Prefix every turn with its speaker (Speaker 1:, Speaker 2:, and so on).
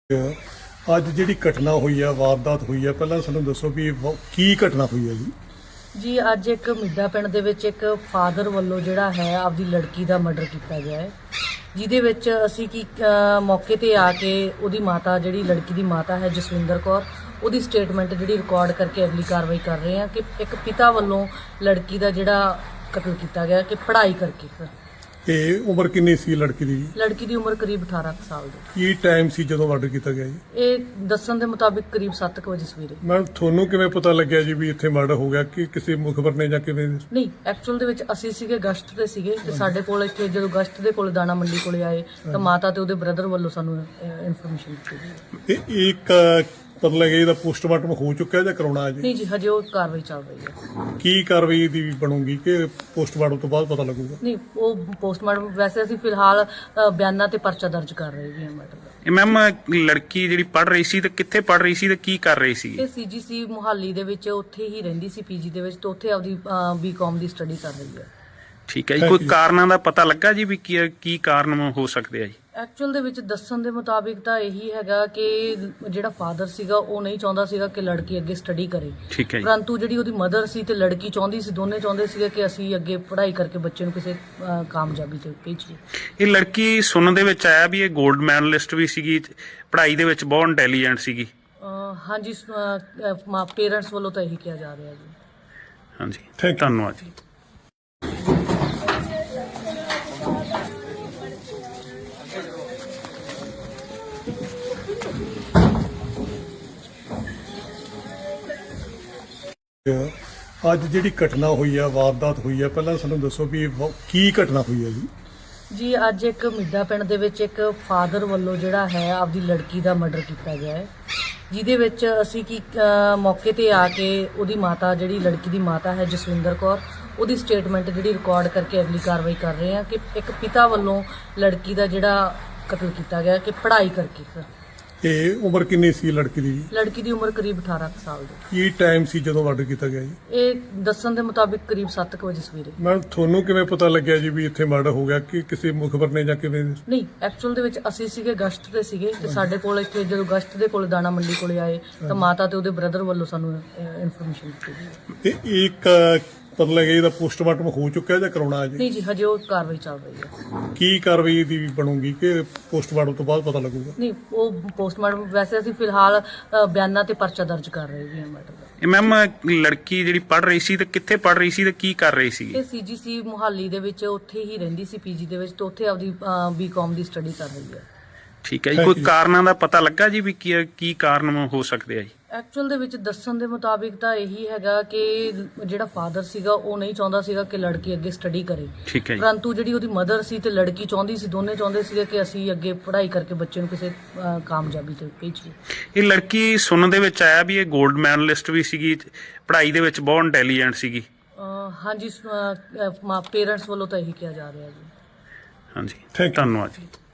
Speaker 1: ਅੱਜ ਜਿਹੜੀ ਘਟਨਾ ਹੋਈ ਹੈ, ਵਾਰਦਾਤ ਹੋਈ ਹੈ, ਪਹਿਲਾਂ ਸਾਨੂੰ ਦੱਸੋ ਵੀ ਕੀ ਘਟਨਾ ਹੋਈ ਹੈ ਜੀ?
Speaker 2: ਜੀ ਅੱਜ ਇੱਕ ਮਿੱਡਾ ਪਿੰਡ ਦੇ ਵਿੱਚ ਇੱਕ ਫਾਦਰ ਵੱਲੋਂ ਜਿਹੜਾ ਹੈ ਆਪਦੀ ਲੜਕੀ ਦਾ ਮਰਡਰ ਕੀਤਾ ਗਿਆ ਹੈ, ਜਿਹਦੇ ਵਿੱਚ ਅਸੀਂ ਮੌਕੇ ਤੇ ਆ ਕੇ ਉਹਦੀ ਮਾਤਾ, ਜਿਹੜੀ ਲੜਕੀ ਦੀ ਮਾਤਾ ਹੈ ਜਸਵਿੰਦਰ ਕੌਰ, ਉਹਦੀ ਸਟੇਟਮੈਂਟ ਜਿਹੜੀ ਰਿਕਾਰਡ ਕਰਕੇ ਅਗਲੀ ਕਾਰਵਾਈ ਕਰ ਰਹੇ ਹਾਂ ਕਿ ਇੱਕ ਪਿਤਾ ਵੱਲੋਂ ਲੜਕੀ ਦਾ ਜਿਹੜਾ ਕਤਲ ਕੀਤਾ ਗਿਆ ਕਿ ਪੜ੍ਹਾਈ ਕਰਕੇ।
Speaker 1: ਤੇ ਉਮਰ ਕਿੰਨੀ ਸੀ ਲੜਕੀ ਦੀ?
Speaker 2: ਲੜਕੀ ਦੀ ਉਮਰ ਕਰੀਬ 18 ਸਾਲ ਦੀ।
Speaker 1: ਕੀ ਟਾਈਮ ਸੀ ਜਦੋਂ ਮਰਡਰ ਕੀਤਾ ਗਿਆ ਜੀ?
Speaker 2: ਇਹ ਦੱਸਣ ਦੇ ਮੁਤਾਬਿਕ ਕਰੀਬ 7 ਵਜੇ ਸਵੇਰੇ।
Speaker 1: ਮੈਮ, ਤੁਹਾਨੂੰ ਕਿਵੇਂ ਪਤਾ ਲੱਗਿਆ ਜੀ ਵੀ ਇੱਥੇ ਮਰਡਰ ਹੋ ਗਿਆ? ਕਿ ਕਿਸੇ ਮੁਖਬਰ ਨੇ ਜਾਂ ਕਿਵੇਂ?
Speaker 2: ਨਹੀਂ, ਐਕਚੁਅਲ ਦੇ ਵਿੱਚ ਅਸੀਂ ਸੀਗੇ ਗਸ਼ਤ ਤੇ ਸੀਗੇ ਤੇ ਸਾਡੇ ਕੋਲ ਇੱਥੇ ਜਦੋਂ ਗਸ਼ਤ ਦੇ ਕੋਲ ਦਾਣਾ ਮੰਡੀ ਕੋਲੇ ਆਏ ਤਾਂ ਮਾਤਾ ਤੇ ਉਹਦੇ ਬ੍ਰਦਰ ਵੱਲੋਂ ਸਾਨੂੰ ਇਨਫੋਰਮੇਸ਼ਨ ਦਿੱਤੀ ਗਈ।
Speaker 1: ਇਹ ਇੱਕ ਪਤਾ ਲੱਗਿਆ ਇਹਦਾ ਪੋਸਟਮਾਰਟਮ ਹੋ ਚੁੱਕਿਆ ਜਾਂ ਕਰਾਉਣਾ ਹੈ ਜੀ?
Speaker 2: ਨਹੀਂ ਜੀ, ਹਜੇ ਉਹ ਕਾਰਵਾਈ ਚੱਲ ਰਹੀ ਹੈ।
Speaker 1: ਕੀ ਕਾਰਵਾਈ ਦੀ ਬਣੂਗੀ ਕਿ ਪੋਸਟਮਾਰਟਮ ਤੋਂ ਬਾਅਦ ਪਤਾ ਲੱਗੂਗਾ?
Speaker 2: ਨਹੀਂ, ਉਹ ਪੋਸਟਮਾਰਟਮ ਵੈਸੇ ਅਸੀਂ ਫਿਲਹਾਲ ਬਿਆਨਾਂ ਤੇ ਪਰਚਾ ਦਰਜ ਕਰ ਰਹੇ ਹਾਂ ਮੈਟਰ ਦਾ।
Speaker 3: ਇਹ ਮੈਮ ਲੜਕੀ ਜਿਹੜੀ ਪੜ੍ਹ ਰਹੀ ਸੀ ਤੇ ਕਿੱਥੇ ਪੜ੍ਹ ਰਹੀ ਸੀ ਤੇ ਕੀ ਕਰ ਰਹੀ ਸੀ?
Speaker 2: ਇਹ ਸੀਜੀਸੀ ਮੁਹਾਲੀ ਦੇ ਵਿੱਚ ਉੱਥੇ ਹੀ ਰਹਿੰਦੀ ਸੀ, ਪੀਜੀ ਦੇ ਵਿੱਚ, ਤੇ ਉੱਥੇ ਆਪਦੀ ਬੀਕਾਮ ਦੀ ਸਟੱਡੀ ਕਰ ਰਹੀ ਹੈ।
Speaker 3: ਠੀਕ ਹੈ ਜੀ। ਕੋਈ ਕਾਰਨਾਂ ਦਾ ਪਤਾ ਲੱਗਾ ਜੀ ਵੀ ਕੀ ਕਾਰਨ ਹੋ ਸਕਦੇ ਆ ਜੀ?
Speaker 2: ਐਕਚੁਅਲ ਦੇ ਵਿੱਚ ਦੱਸਣ ਦੇ ਮੁਤਾਬਿਕ ਤਾਂ ਇਹੀ ਹੈਗਾ ਕਿ ਜਿਹੜਾ ਫਾਦਰ ਸੀਗਾ ਉਹ ਨਹੀਂ ਚਾਹੁੰਦਾ ਸੀਗਾ ਕਿ ਲੜਕੀ ਅੱਗੇ ਸਟੱਡੀ ਕਰੇ।
Speaker 3: ਠੀਕ ਹੈ ਜੀ।
Speaker 2: ਪਰੰਤੂ ਜਿਹੜੀ ਉਹਦੀ ਮਦਰ ਸੀ ਤੇ ਲੜਕੀ ਚਾਹੁੰਦੀ ਸੀ, ਦੋਨੇ ਚਾਹੁੰਦੇ ਸੀਗੇ ਕਿ ਅਸੀਂ ਅੱਗੇ ਪੜ੍ਹਾਈ ਕਰਕੇ ਬੱਚੇ ਨੂੰ ਕਿਸੇ ਕਾਮਯਾਬੀ ਤੇ ਭੇਜੀਏ।
Speaker 3: ਇਹ ਲੜਕੀ ਸੁਣਨ ਦੇ ਵਿੱਚ ਆਇਆ ਵੀ ਇਹ 골ਡ ਮੈਡਲਿਸਟ ਵੀ ਸੀਗੀ, ਪੜ੍ਹਾਈ ਦੇ ਵਿੱਚ ਬਹੁਤ ਇੰਟੈਲੀਜੈਂਟ ਸੀਗੀ।
Speaker 2: ਹਾਂਜੀ, ਪੇਰੈਂਟਸ ਵੱਲੋਂ ਤਾਂ ਇਹੀ ਕਿਹਾ ਜਾ ਰਿਹਾ ਜੀ।
Speaker 3: ਹਾਂਜੀ, ਧੰਨਵਾਦ ਜੀ।
Speaker 1: ਅੱਜ ਜਿਹੜੀ ਘਟਨਾ ਹੋਈ ਹੈ, ਵਾਰਦਾਤ ਹੋਈ ਹੈ, ਪਹਿਲਾਂ ਸਾਨੂੰ ਦੱਸੋ ਵੀ ਕੀ ਘਟਨਾ ਹੋਈ ਹੈ ਜੀ?
Speaker 2: ਜੀ ਅੱਜ ਇੱਕ ਮਿੱਡਾ ਪਿੰਡ ਦੇ ਵਿੱਚ ਇੱਕ ਫਾਦਰ ਵੱਲੋਂ ਜਿਹੜਾ ਹੈ ਆਪਦੀ ਲੜਕੀ ਦਾ ਮਰਡਰ ਕੀਤਾ ਗਿਆ ਹੈ, ਜਿਹਦੇ ਵਿੱਚ ਅਸੀਂ ਮੌਕੇ ਤੇ ਆ ਕੇ ਉਹਦੀ ਮਾਤਾ, ਜਿਹੜੀ ਲੜਕੀ ਦੀ ਮਾਤਾ ਹੈ ਜਸਵਿੰਦਰ ਕੌਰ, ਉਹਦੀ ਸਟੇਟਮੈਂਟ ਜਿਹੜੀ ਰਿਕਾਰਡ ਕਰਕੇ ਅਗਲੀ ਕਾਰਵਾਈ ਕਰ ਰਹੇ ਹਾਂ ਕਿ ਇੱਕ ਪਿਤਾ ਵੱਲੋਂ ਲੜਕੀ ਦਾ ਜਿਹੜਾ ਕਤਲ ਕੀਤਾ ਗਿਆ ਕਿ ਪੜ੍ਹਾਈ ਕਰਕੇ।
Speaker 1: ਤੇ ਉਮਰ ਕਿੰਨੀ ਸੀ ਲੜਕੀ ਦੀ?
Speaker 2: ਲੜਕੀ ਦੀ ਉਮਰ ਕਰੀਬ 18 ਸਾਲ ਦੀ।
Speaker 1: ਕੀ ਟਾਈਮ ਸੀ ਜਦੋਂ ਮਰਡਰ ਕੀਤਾ ਗਿਆ ਜੀ?
Speaker 2: ਇਹ ਦੱਸਣ ਦੇ ਮੁਤਾਬਿਕ ਕਰੀਬ 7 ਵਜੇ ਸਵੇਰੇ।
Speaker 1: ਮੈਮ, ਤੁਹਾਨੂੰ ਕਿਵੇਂ ਪਤਾ ਲੱਗਿਆ ਜੀ ਵੀ ਇੱਥੇ ਮਰਡਰ ਹੋ ਗਿਆ? ਕਿ ਕਿਸੇ ਮੁਖਬਰ ਨੇ ਜਾਂ ਕਿਵੇਂ?
Speaker 2: ਨਹੀਂ, ਐਕਚੁਅਲ ਦੇ ਵਿੱਚ ਅਸੀਂ ਸੀਗੇ ਗਸ਼ਤ ਤੇ ਸੀਗੇ ਤੇ ਸਾਡੇ ਕੋਲ ਇੱਥੇ ਜਦੋਂ ਗਸ਼ਤ ਦੇ ਕੋਲ ਦਾਣਾ ਮੰਡੀ ਕੋਲੇ ਆਏ ਤਾਂ ਮਾਤਾ ਤੇ ਉਹਦੇ ਬ੍ਰਦਰ ਵੱਲੋਂ ਸਾਨੂੰ ਇਨਫੋਰਮੇਸ਼ਨ ਦਿੱਤੀ ਗਈ।
Speaker 1: ਤੇ ਇੱਕ ਪਤਾ ਲੱਗਿਆ ਇਹਦਾ ਪੋਸਟਮਾਰਟਮ ਹੋ ਚੁੱਕਿਆ ਜਾਂ ਕਰਾਉਣਾ ਹੈ ਜੀ?
Speaker 2: ਨਹੀਂ ਜੀ, ਹਜੇ ਉਹ ਕਾਰਵਾਈ ਚੱਲ ਰਹੀ ਹੈ।
Speaker 1: ਕੀ ਕਾਰਵਾਈ ਦੀ ਬਣੂਗੀ ਕਿ ਪੋਸਟਮਾਰਟਮ ਤੋਂ ਬਾਅਦ ਪਤਾ ਲੱਗੂਗਾ?
Speaker 2: ਨਹੀਂ, ਉਹ ਪੋਸਟਮਾਰਟਮ ਵੈਸੇ ਅਸੀਂ ਫਿਲਹਾਲ ਬਿਆਨਾਂ ਤੇ ਪਰਚਾ ਦਰਜ ਕਰ ਰਹੇ ਹਾਂ ਮੈਟਰ ਦਾ।
Speaker 3: ਇਹ ਮੈਮ ਲੜਕੀ ਜਿਹੜੀ ਪੜ੍ਹ ਰਹੀ ਸੀ ਤੇ ਕਿੱਥੇ ਪੜ੍ਹ ਰਹੀ ਸੀ ਤੇ ਕੀ ਕਰ ਰਹੀ ਸੀ?
Speaker 2: ਇਹ ਸੀਜੀਸੀ ਮੁਹਾਲੀ ਦੇ ਵਿੱਚ ਉੱਥੇ ਹੀ ਰਹਿੰਦੀ ਸੀ, ਪੀਜੀ ਦੇ ਵਿੱਚ, ਤੇ ਉੱਥੇ ਆਪਦੀ ਬੀਕਾਮ ਦੀ ਸਟੱਡੀ ਕਰ ਰਹੀ ਹੈ।
Speaker 3: ਠੀਕ ਹੈ ਜੀ। ਕੋਈ ਕਾਰਨਾਂ ਦਾ ਪਤਾ ਲੱਗਾ ਜੀ ਵੀ ਕੀ ਕਾਰਨ ਹੋ ਸਕਦੇ ਆ ਜੀ?
Speaker 2: ਐਕਚੁਅਲ ਦੇ ਵਿੱਚ ਦੱਸਣ ਦੇ ਮੁਤਾਬਿਕ ਤਾਂ ਇਹੀ ਹੈਗਾ ਕਿ ਜਿਹੜਾ ਫਾਦਰ ਸੀਗਾ ਉਹ ਨਹੀਂ ਚਾਹੁੰਦਾ ਸੀਗਾ ਕਿ ਲੜਕੀ ਅੱਗੇ ਸਟੱਡੀ ਕਰੇ।
Speaker 3: ਠੀਕ ਹੈ ਜੀ।
Speaker 2: ਪਰੰਤੂ ਜਿਹੜੀ ਉਹਦੀ ਮਦਰ ਸੀ ਤੇ ਲੜਕੀ ਚਾਹੁੰਦੀ ਸੀ, ਦੋਨੇ ਚਾਹੁੰਦੇ ਸੀਗੇ ਕਿ ਅਸੀਂ ਅੱਗੇ ਪੜ੍ਹਾਈ ਕਰਕੇ ਬੱਚੇ ਨੂੰ ਕਿਸੇ ਕਾਮਯਾਬੀ ਤੇ ਭੇਜੀਏ।
Speaker 3: ਇਹ ਲੜਕੀ ਸੁਣਨ ਦੇ ਵਿੱਚ ਆਇਆ ਵੀ ਇਹ 골ਡ ਮੈਡਲਿਸਟ ਵੀ ਸੀਗੀ, ਪੜ੍ਹਾਈ ਦੇ ਵਿੱਚ ਬਹੁਤ ਇੰਟੈਲੀਜੈਂਟ ਸੀਗੀ।
Speaker 2: ਹਾਂਜੀ, ਪੇਰੈਂਟਸ ਵੱਲੋਂ ਤਾਂ ਇਹੀ ਕਿਹਾ ਜਾ ਰਿਹਾ ਜੀ।
Speaker 3: ਹਾਂਜੀ, ਧੰਨਵਾਦ ਜੀ।